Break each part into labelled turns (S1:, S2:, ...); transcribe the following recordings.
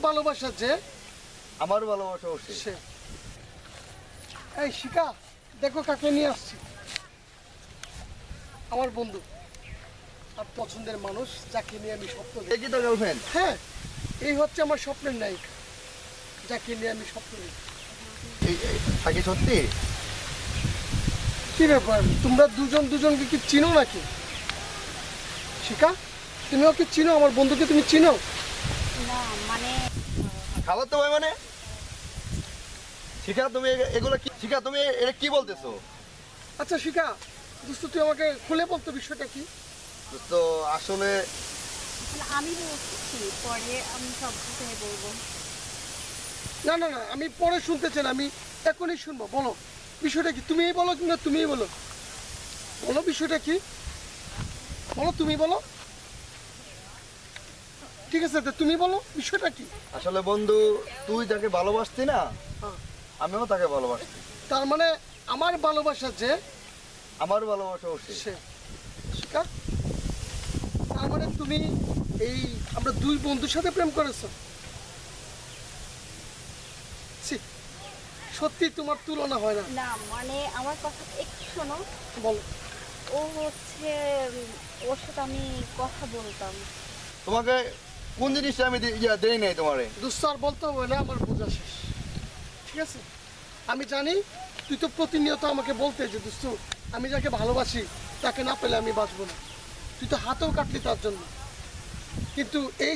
S1: ভালোবাসা যে
S2: আমার ভালোবাসা
S1: সে। এই শিখা, দেখো কাকে নিয়ে আসছি। আমার বন্ধু আর পছন্দের মানুষ, যাকে নিয়ে আমি স্বপ্ন দেখি।
S2: দেখি তো গার্লফ্রেন্ড।
S1: হ্যাঁ, এই হচ্ছে আমার স্বপ্নের নায়িকা, যাকে নিয়ে আমি স্বপ্ন দেখি।
S2: থাকি সত্যি?
S1: কি ব্যাপার, তোমরা দুজন দুজনকে কি চিনো নাকি? শিখা, তুমি ওকে চিনো? আমার বন্ধুকে তুমি চিনো?
S3: না মানে
S2: খাবার তো ভাই মানে শিখা তুমি এগুলো কি? শিখা তুমি এটা কি বলতেছো?
S1: আচ্ছা শিখা, দোস্ত তুই আমাকে খুলে বলতো বিষয়টা কি?
S2: তো আসলে
S3: আমি বলছি পরে আমি সব কিছু বলবো।
S1: না না না, আমি পরে শুনতে চাই না, আমি এখনই শুনবো। বলো বিষয়টা কি, তুমিই বলো কিংবা তুমিই বলো। বলো বিষয়টা কি, বলো, তুমি বলো। ঠিক আছে, তো তুমি বলো বিষয়টা কি।
S2: আসলে বন্ধু, তুই যাকে ভালোবাসতি না,
S1: হ্যাঁ।
S2: আমিও তাকে ভালোবাসি।
S1: তার মানে আমার ভালোবাসা যে
S2: আমার ভালোবাসা
S1: সে। শিখা, তার মানে তুমি এই আমরা দুই বন্ধুর সাথে প্রেম করেছো? ছি, সত্যি তোমার তুলনা হয় না।
S3: না মানে আমার কথা একটু শোনো।
S1: বলো।
S3: ও হচ্ছে ওর সাথে আমি কথা বলতাম।
S2: তোমাকে কোন জিনিসটা আমি দেই নাই তোমারে?
S1: দোস্ত আর বলতে হবে না, আমার বোঝা শেষ। ঠিক আছে, আমি জানি তুই তো প্রতিনিয়ত আমাকে বলতে যে দোস্ত আমি যাকে ভালোবাসি তাকে না পেলে আমি বাঁচবো না। তুই তো হাতেও কাটলি তার জন্য। কিন্তু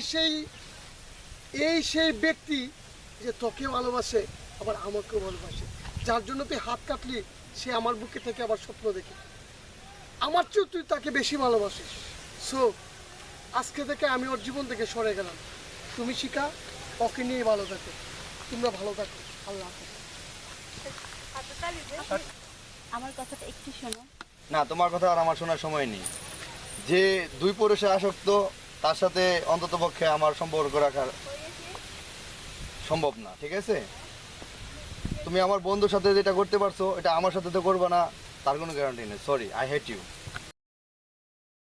S1: এই সেই ব্যক্তি যে তোকে ভালোবাসে আবার আমাকেও ভালোবাসে, যার জন্য তুই হাত কাটলি, সে আমার বুকে থেকে আবার স্বপ্ন দেখে। আমার চেয়েও তুই তাকে বেশি ভালোবাসিস। সো আজকে থেকে আমি ওর জীবন থেকে সরে গেলাম। তুমি শিখা, ওকে নিয়ে ভালো থাকো, তোমরা ভালো থাকো। আল্লাহ হাফেজ।
S3: আমার কথাটা একটু শোনো।
S2: না, তোমার কথা আর আমার শোনার সময় নেই। যে দুই পুরুষে আসক্ত, তার সাথে অন্ততপক্ষে আমার সম্পর্ক রাখা সম্ভব না। ঠিক আছে, তুমি আমার বন্ধুর সাথে যেটা করতে পারছো, এটা আমার সাথে তো করবে না, তার কোনো গ্যারান্টি নেই। Sorry, I hate you.